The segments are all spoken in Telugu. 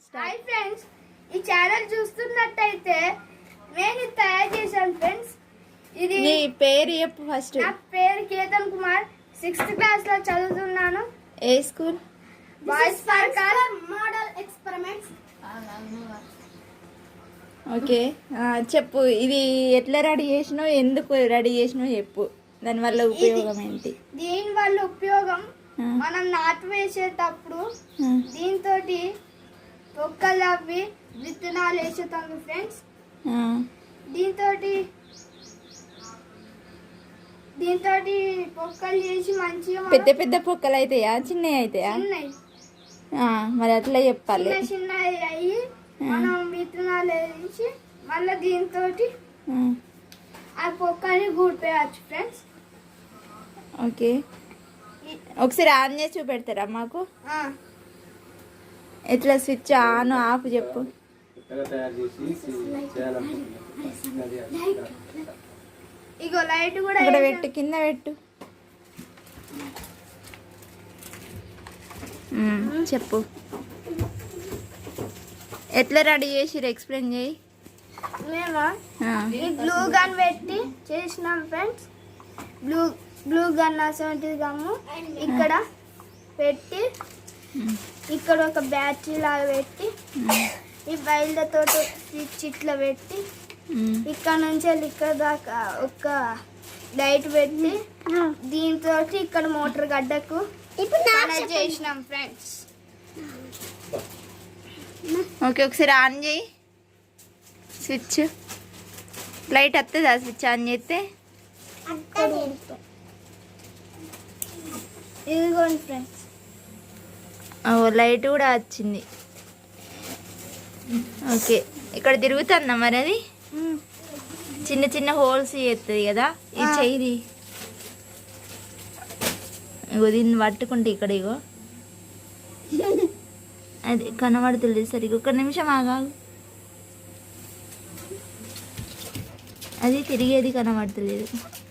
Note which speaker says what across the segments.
Speaker 1: హాయ్ ఫ్రెండ్స్, ఈ ఛానల్ చూస్తున్నట్టయితే నేను తయారు చేశాను ఫ్రెండ్స్. ఇది
Speaker 2: నీ పేరు చెప్పు ఫస్ట్.
Speaker 1: నా పేరు కేతన్ కుమార్, 6th క్లాస్ లో చదువుతున్నాను.
Speaker 2: ఏ స్కూల్?
Speaker 1: బాయ్స్ సర్కార్ మోడల్ ఎక్స్పెరిమెంట్స్.
Speaker 2: ఓకే, చెప్పు. ఇది ఎట్లా రెడీ చేసినావు, ఎందుకు రెడీ చేసినావు చెప్పు. దానివల్ల ఉపయోగం ఏంటి?
Speaker 1: దీని వల్ల ఉపయోగం, మనం నాటు వేసేటప్పుడు దీంతో పొక్కలు అవి విత్తనాలు వేసేతాము ఫ్రెండ్స్. దీంతో పొక్కలు చేసి మంచిగా
Speaker 2: పెద్ద పెద్ద పొక్కలు అవుతాయా, చిన్నవి అవుతాయా? మరి అట్లా చెప్పాలి.
Speaker 1: చిన్న అయ్యి మనం విత్తనాలు వేసి మళ్ళీ దీంతో ఆ పొక్కల్ని గూడిపోయచ్చు ఫ్రెండ్స్.
Speaker 2: ఓకే, ఒకసారి ఆన్ చేసి చూపెడతారా మాకు? ఎట్లా స్విచ్ ఆన్ ఆఫ్ చెప్పు.
Speaker 1: ఇగో లైట్ కూడా
Speaker 2: ఇక్కడ పెట్టు, కింద పెట్టు. చెప్పు, ఎట్లా రెడీ చేసి ఎక్స్ప్లెయిన్ చేయి.
Speaker 1: మేము గ్లూ గన్ పెట్టి చేసినాం ఫ్రెండ్స్. గ్లూ గన్ 70 గ్రాము ఇక్కడ పెట్టి, ఇక్కడ ఒక బ్యాటరీ లాగా పెట్టి, ఈ బయలుతో స్విచ్ ఇట్లా పెట్టి, ఇక్కడ నుంచి ఇక్కడ దాకా ఒక లైట్ పెట్టి, దీంతో ఇక్కడ మోటార్ గడ్డకు కనెక్ట్ చేసినాం ఫ్రెండ్స్.
Speaker 2: ఓకే, ఒకసారి ఆన్ చేయి స్విచ్. లైట్ వస్తుందా స్విచ్ ఆన్ చేస్తే?
Speaker 1: ఇదిగోండి ఫ్రెండ్స్,
Speaker 2: లైట్ కూడా వచ్చింది. ఓకే, ఇక్కడ తిరుగుతుందా మరి? అది చిన్న చిన్న హోల్స్ చేస్తుంది కదా ఈ చెయ్యి. ఇగో దీన్ని పట్టుకుంటే ఇక్కడ ఇగో అది కనబడుతుంది సరిగ్గా. ఒక నిమిషం ఆగాగు, అది తిరిగేది కనబడతలేదు.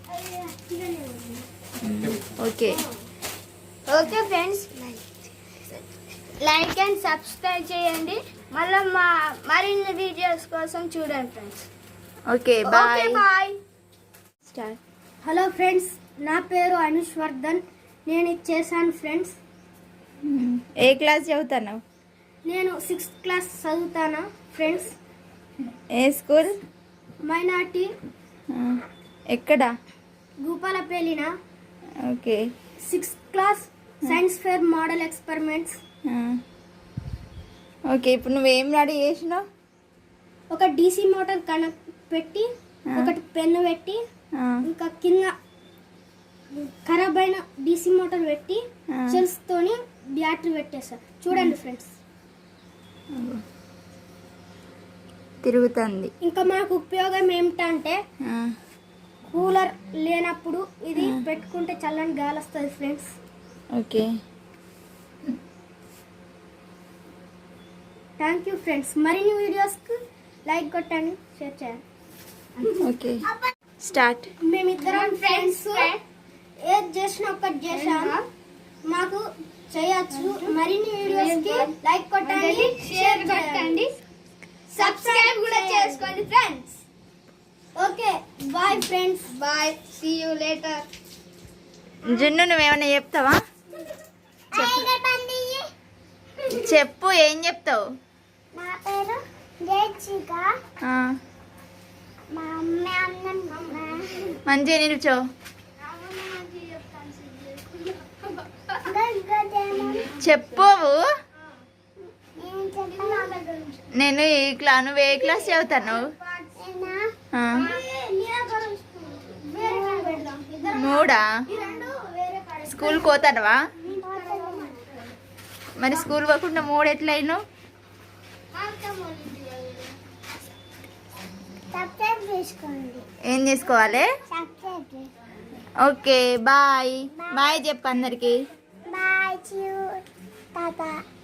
Speaker 2: Okay
Speaker 1: okay friends, like and subscribe చేయండి. మళ్ళీ మరిన్ని వీడియోస్ కోసం చూడండి friends.
Speaker 2: Okay, bye
Speaker 1: bye.
Speaker 2: Start.
Speaker 1: Hello friends, నా పేరు అనుష్ వర్ధన్. నేను ఇది చేశాను ఫ్రెండ్స్.
Speaker 2: ఏ క్లాస్ చదువుతున్నావు?
Speaker 1: నేను 6th క్లాస్ చదువుతాను ఫ్రెండ్స్.
Speaker 2: ఏ స్కూల్?
Speaker 1: మైనార్టీ.
Speaker 2: ఎక్కడ?
Speaker 1: గూపాలపల్లిన.
Speaker 2: Okay,
Speaker 1: 6th class science fair model experiments.
Speaker 2: Okay, ఇప్పుడు నువ్వేం రెడీ చేసినావు?
Speaker 1: ఒక DC మోటార్ కనెక్ట్ పెట్టి, ఒకటి పెన్ను పెట్టి, ఇంకా కింద ఖరాబ్ అయిన DC మోటార్ పెట్టి, సెల్స్ తోని బ్యాటరీ పెట్టేస్తా. చూడండి ఫ్రెండ్స్,
Speaker 2: తిరుగుతుంది.
Speaker 1: ఇంకా మాకు ఉపయోగం ఏమిటంటే, కూలర్ లేనప్పుడు ఇది పెట్టుకుంటే చల్లని గాలి వస్తుంది friends.
Speaker 2: Okay,
Speaker 1: thank you friends. మరిన్ని వీడియోస్కి లైక్ కొట్టండి, షేర్ చేయండి.
Speaker 2: Okay, start.
Speaker 1: మేమిద్దరం ఫ్రెండ్స్ ఏది చేసినా ఒకటి చేసాము, మాకు చేయొచ్చు. మరిన్ని వీడియోస్కి లైక్ కొట్టండి, షేర్ కొట్టండి, సబ్స్క్రైబ్ కూడా చేసుకోండి friends. Okay, bye friends. Bye, see you later.
Speaker 2: Junnu, నువ్వేమన్నా చెప్తావా? చెప్పు, ఏం చెప్తావు?
Speaker 1: నా పేరు జయచిక. మా అమ్మ
Speaker 2: మంచిగా నిల్చో. చెప్పు. నేను నువ్వు ఏ క్లాస్ చదువుతాను? 3. స్కూల్ పోతానవా? మరి స్కూల్ పోకుండా 3 ఎట్లయినా? ఏం చేసుకోవాలి? Okay, bye. బాయ్ చెప్పు అందరికి.
Speaker 1: బాయ్.